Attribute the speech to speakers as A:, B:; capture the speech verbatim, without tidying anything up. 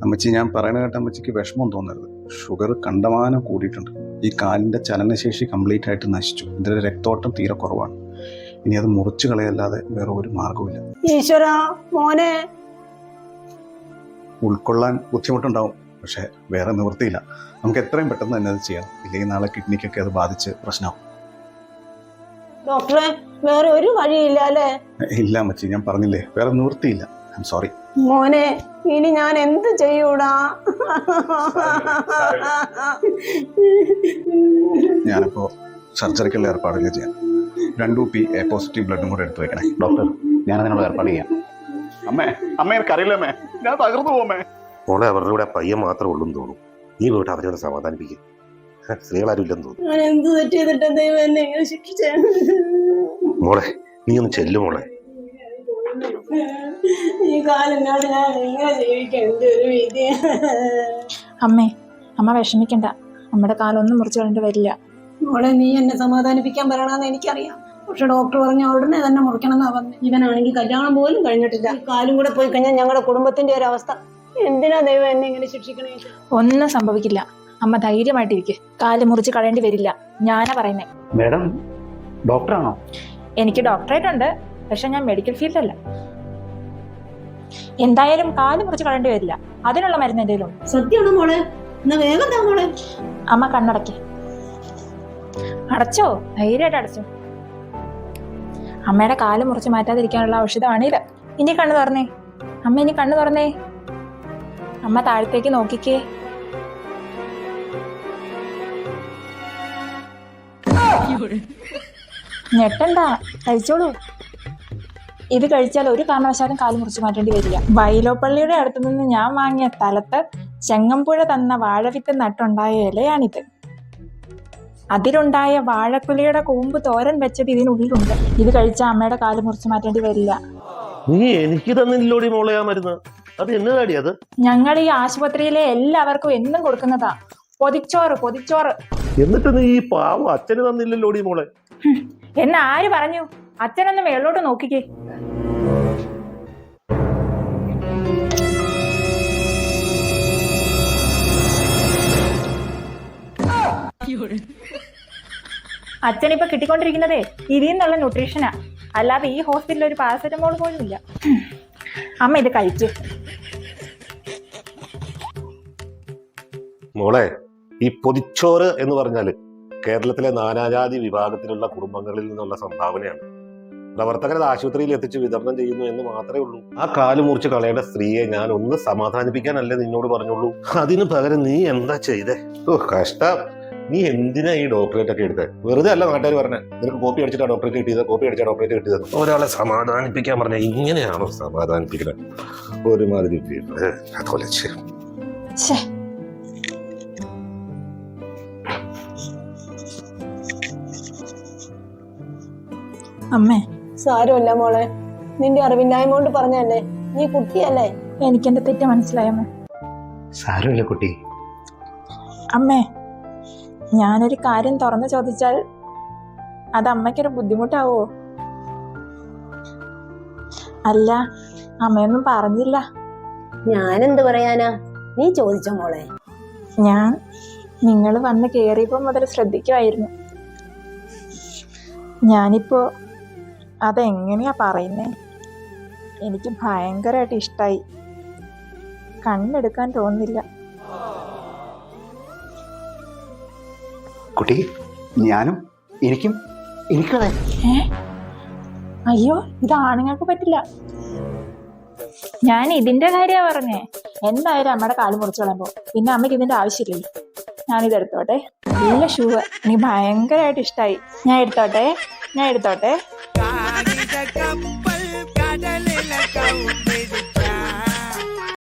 A: അമ്മച്ചി, ഞാൻ പറയുന്ന കേട്ട അമ്മച്ചിക്ക് വിഷമം തോന്നരുത്. ഷുഗർ കണ്ടമാനം കൂടിയിട്ടുണ്ട്. ഈ കാലിൻ്റെ ചലനശേഷി കംപ്ലീറ്റ് ആയിട്ട് നശിച്ചു. ഇതിൻ്റെ രക്തോട്ടം തീരെ കുറവാണ്. ഇനി അത് മുറിച്ചു കളയല്ലാതെ വേറെ ഒരു മാർഗവുമില്ല.
B: ഈശ്വരാ മോനെ,
A: ഉൾക്കൊള്ളാൻ ബുദ്ധിമുട്ടുണ്ടാവും, പക്ഷെ വേറെ നിവൃത്തിയില്ല. നമുക്ക് എത്രയും പെട്ടെന്ന് തന്നെ അത് ചെയ്യണം. ഇല്ലെങ്കിൽ നാളെ കിഡ്നിക്കൊക്കെ അത് ബാധിച്ച് പ്രശ്നമാവും.
B: ഡോക്ടറെ വേറെ ഒരു വഴിയില്ല അല്ലേ?
A: ഇല്ല അമ്മച്ചി, ഞാൻ പറഞ്ഞില്ലേ, വേറെ നിവൃത്തിയില്ല. ഐ എം സോറി
B: മോനെ. ഇനി ഞാൻ എന്ത് ചെയ്യൂടാ?
A: ഞാനിപ്പോ സർജറിക്കുള്ള ഏർപ്പാടുകൾ ചെയ്യാം. രണ്ടു പി എ പോസിറ്റീവ് ബ്ലഡും കൂടെ എടുത്തു വെക്കണേ.
C: ഡോക്ടർ, ഞാൻ അതിനുള്ള ഏർപ്പാട് ചെയ്യാം.
A: അമ്മേ അമ്മ എനിക്കറിയില്ല അമ്മേ, ഞാൻ തകർന്നു പോമേ.
D: മോളെ അവരുടെ കൂടെ പയ്യൻ മാത്രമേ ഉള്ളൂ എന്ന് തോന്നുന്നു. നീ പോയിട്ട് അവരോട് സമാധാനിപ്പിക്കും. സ്ത്രീകളാരും ഇല്ലെന്ന് തോന്നുന്നു.
B: ഞാൻ എന്ത് തെറ്റ് ചെയ്തിട്ട് ദൈവം എന്നെ ഇങ്ങനെ ശിക്ഷിച്ചേ?
D: മോളെ നീ ഒന്ന് ചെല്ലു മോളെ.
B: ഈ കാലിനോട് ഞാൻ എങ്ങനെ ജീവിക്കാം? എന്റെ ഒരു വിധി.
E: അമ്മേ, അമ്മ വിഷമിക്കണ്ട. നമ്മുടെ കാലൊന്നും മുറിച്ചു കളയേണ്ടി വരില്ല.
B: മോളെ, നീ എന്നെ സമാധാനിപ്പിക്കാൻ പറയണമെന്ന് എനിക്കറിയാം. പക്ഷെ ഡോക്ടർ പറഞ്ഞ ഉടനെ തന്നെ മുറിക്കണം എന്നാ പറഞ്ഞു. ഇവനാണെങ്കിൽ കല്യാണം പോലും കഴിഞ്ഞിട്ടില്ല. കാലും കൂടെ പോയി കഴിഞ്ഞാൽ ഞങ്ങളുടെ കുടുംബത്തിന്റെ ഒരു അവസ്ഥ. എന്തിനാ ദൈവം എന്നെ ഇങ്ങനെ ശിക്ഷിക്കണേ?
E: ഒന്നും സംഭവിക്കില്ല. അമ്മ ധൈര്യമായിട്ടിരിക്കെ. കാല് മുറിച്ച് കളയേണ്ടി വരില്ല. ഞാനാ പറയുന്നേ.
C: മാഡം ഡോക്ടറാണോ?
E: എനിക്ക് ഡോക്ടറേറ്റ് ഉണ്ട്, പക്ഷെ ഞാൻ മെഡിക്കൽ ഫീൽഡല്ല. എന്തായാലും കാല് മുറിച്ച് കളയേണ്ടി വരില്ല. അതിനുള്ള മരുന്ന് എന്തെങ്കിലും?
B: സത്യമാണോ മോളെ? എന്നാ വേഗം താ മോളെ.
E: അമ്മ കണ്ണടക്കി. അടച്ചോ? ധൈര്യമായിട്ട് അടച്ചോ. അമ്മയുടെ കാല് മുറിച്ച് മാറ്റാതിരിക്കാനുള്ള ഔഷധമാണിത്. ഇനി കണ്ണു തുറന്നേ. അമ്മ ഇനി കണ്ണു തുറന്നേ. അമ്മ താഴത്തേക്ക് നോക്കിക്കേ. ഞെട്ടണ്ട, കഴിച്ചോളൂ. ഇത് കഴിച്ചാൽ ഒരു കാരണവശാലും കാല് മുറിച്ച് മാറ്റേണ്ടി വരില്ല. വൈലോപ്പള്ളിയുടെ അടുത്തു നിന്ന് ഞാൻ വാങ്ങിയ സ്ഥലത്ത് ചെങ്ങമ്പുഴ തന്ന വാഴവിത്ത് നട്ടുണ്ടായ ഇലയാണിത്. അതിലുണ്ടായ വാഴക്കുലയുടെ കൂമ്പ് തോരൻ വെച്ചത് ഇതിനുള്ളിലുണ്ട്. ഇത് കഴിച്ചാൽ അമ്മയുടെ കാല് മുറിച്ച് മാറ്റേണ്ടി വരില്ല.
D: നീ എനിക്ക് തന്നില്ലോടി മോളെ ആ മരുന്ന്. അത് എന്നതാടി അത്?
E: ഞങ്ങൾ ഈ ആശുപത്രിയിലെ എല്ലാവർക്കും എന്നും കൊടുക്കുന്നതാ. പൊതിച്ചോറ്, പൊതിച്ചോറ്.
D: എന്നിട്ട് നീ ഈ പാവം അച്ഛന് തന്നില്ലല്ലോടി മോളെ.
E: എന്ന് ആര് പറഞ്ഞു? അച്ഛനൊന്ന് മേളോട്ട് നോക്കിക്കേ. അച്ഛനിപ്പൊ കിട്ടിക്കൊണ്ടിരിക്കുന്നതേ ഇതിൽ നിന്നുള്ള ന്യൂട്രീഷനാ, അല്ലാതെ ഈ ഹോസ്പിറ്റലിൽ ഒരു പാരസെറ്റമോൾ പോലും ഇല്ല. അമ്മ ഇത് കഴിച്ചു.
D: മോളെ, ഈ പൊതിച്ചോറ് എന്ന് പറഞ്ഞാല് കേരളത്തിലെ നാനാജാതി വിഭാഗത്തിലുള്ള കുടുംബങ്ങളിൽ നിന്നുള്ള സംഭാവനയാണ്. പ്രവർത്തകരത് ആശുപത്രിയിൽ എത്തിച്ച് വിതരണം ചെയ്യുന്നു എന്ന് മാത്രമേ ഉള്ളൂ. ആ കാല് മുറിച്ച് കളയേണ്ട സ്ത്രീയെ ഞാൻ ഒന്ന് സമാധാനിപ്പിക്കാനല്ലേ നിന്നോട് പറഞ്ഞുള്ളൂ. അതിന് പകരം നീ എന്താ ചെയ്തേ? ഓ കഷ്ടം. നീ എന്തിനാ ഈ ഡോക്ടറേറ്റ് ഒക്കെ എടുത്തത്? വെറുതെ അല്ല നാട്ടുകാർ പറഞ്ഞത് നിനക്ക് കോപ്പി അടിച്ചിട്ടാ ഡോക്ടറേറ്റ് കിട്ടിയത്, കോപ്പി അടിച്ചാ ഡോക്ടറേറ്റ് കിട്ടിയത്. ഒരാളെ സമാധാനിപ്പിക്കാൻ പറഞ്ഞ ഇങ്ങനെയാണോ സമാധാനിപ്പിക്കുന്നത്? ഒരുമാതിരി അതുപോലെ
E: അമ്മേ,
B: സാരമില്ല മോളെ, നിന്റെ അറിവില്ലായ്മ കൊണ്ട് പറഞ്ഞല്ലേ. നീ കുട്ടിയല്ലേ.
E: എനിക്കെന്റെ തെറ്റ് മനസ്സിലായമ്മേ.
C: സാരമില്ല കുട്ടി.
E: അമ്മേ, ഞാനൊരു കാര്യം തുറന്നു ചോദിച്ചാൽ അത് അമ്മയ്ക്കൊരു ബുദ്ധിമുട്ടാവോ? അല്ല, അമ്മയൊന്നും പറഞ്ഞില്ല.
B: ഞാനെന്ത് പറയാനാ? നീ ചോദിച്ചോ മോളെ.
E: ഞാൻ നിങ്ങൾ വന്ന് കയറിയപ്പോൾ മുതൽ ശ്രദ്ധിക്കുമായിരുന്നു. ഞാനിപ്പോ അതെങ്ങനെയാ പറയുന്നേ? എനിക്ക് ഭയങ്കരമായിട്ട് ഇഷ്ടായി. കണ്ണെടുക്കാൻ തോന്നുന്നില്ല.
C: കുട്ടി, ഞാനും എനിക്കും എനിക്കതെ.
E: ഏ അയ്യോ, ഇത് ആണുങ്ങൾക്ക് പറ്റില്ല. ഞാൻ ഇതിന്റെ കാര്യ പറഞ്ഞേ. എന്തായാലും അമ്മയുടെ കാല് മുറിച്ചു കളയുമ്പോ പിന്നെ അമ്മയ്ക്ക് ഇതിന്റെ ആവശ്യമില്ലല്ലോ. ഞാനിത് എടുത്തോട്ടെ. നല്ല ഷൂ. എനിക്ക് ഭയങ്കരമായിട്ട് ഇഷ്ടായി. ഞാൻ എടുത്തോട്ടെ ഞാൻ എടുത്തോട്ടെ